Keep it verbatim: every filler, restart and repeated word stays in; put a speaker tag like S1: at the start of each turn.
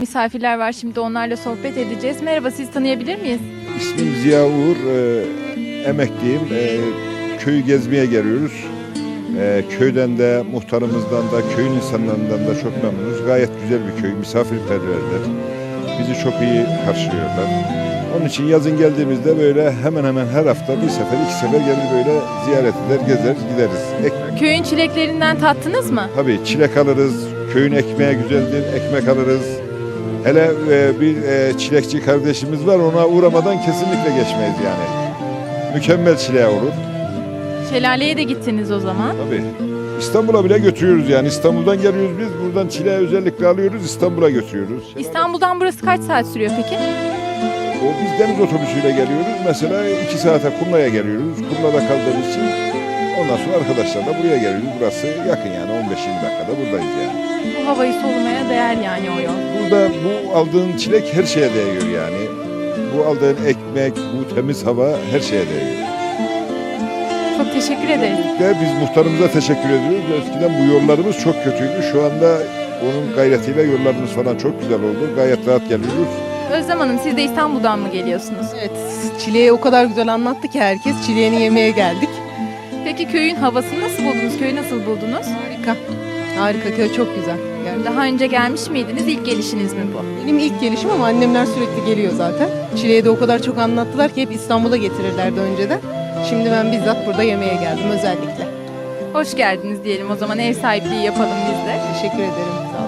S1: Misafirler var, şimdi onlarla sohbet edeceğiz. Merhaba, sizi tanıyabilir miyiz?
S2: İsmim Ziya Uğur, e, emekliyim. E, köyü gezmeye geliyoruz. E, köyden de, muhtarımızdan da, köyün insanlarından da çok memnunuz. Gayet güzel bir köy, misafirperverler. Bizi çok iyi karşılıyorlar. Onun için yazın geldiğimizde böyle hemen hemen her hafta bir sefer, iki sefer gelir böyle ziyaret eder, gezer, gideriz. Ek,
S1: Köyün çileklerinden tattınız mı?
S2: tabii çilek alırız, köyün ekmeği güzeldir, ekmek alırız. Hele e, bir e, çilekçi kardeşimiz var, ona uğramadan kesinlikle geçmeyiz yani. Mükemmel çileği olur.
S1: Şelaleye de gittiniz o zaman.
S2: Tabii. İstanbul'a bile götürüyoruz yani. İstanbul'dan geliyoruz biz. Buradan çileği özellikle alıyoruz, İstanbul'a götürüyoruz.
S1: İstanbul'dan burası kaç saat sürüyor peki?
S2: O biz deniz otobüsüyle geliyoruz. Mesela iki saate Kumla'ya geliyoruz. Kumla'da kaldığımız için ondan sonra arkadaşlarla buraya geliyoruz. Burası yakın yani on beş yirmi dakikada buradayız yani.
S1: Bu havayı solumaya değer yani o yol.
S2: Burada bu aldığın çilek her şeye değiyor yani. Bu aldığın ekmek, bu temiz hava her şeye değiyor.
S1: Çok teşekkür ederiz.
S2: De biz muhtarımıza teşekkür ediyoruz. Eskiden bu yollarımız çok kötüydü. Şu anda onun gayretiyle yollarımız falan çok güzel oldu. Gayet rahat geliyoruz.
S1: Özlem Hanım, siz de İstanbul'dan mı geliyorsunuz?
S3: Evet, çileği o kadar güzel anlattı ki herkes. Çileğini yemeye geldik.
S1: Peki köyün havasını nasıl buldunuz? Köyü nasıl buldunuz?
S3: Harika. Harika, köy çok güzel. Yani
S1: Daha önce gelmiş miydiniz? İlk gelişiniz mi bu?
S3: benim ilk gelişim ama annemler sürekli geliyor zaten. Çileği de o kadar çok anlattılar ki hep İstanbul'a getirirlerdi önceden. Şimdi ben bizzat burada yemeğe geldim özellikle.
S1: Hoş geldiniz diyelim o zaman, ev sahipliği yapalım biz de.
S3: Teşekkür ederim. Sağ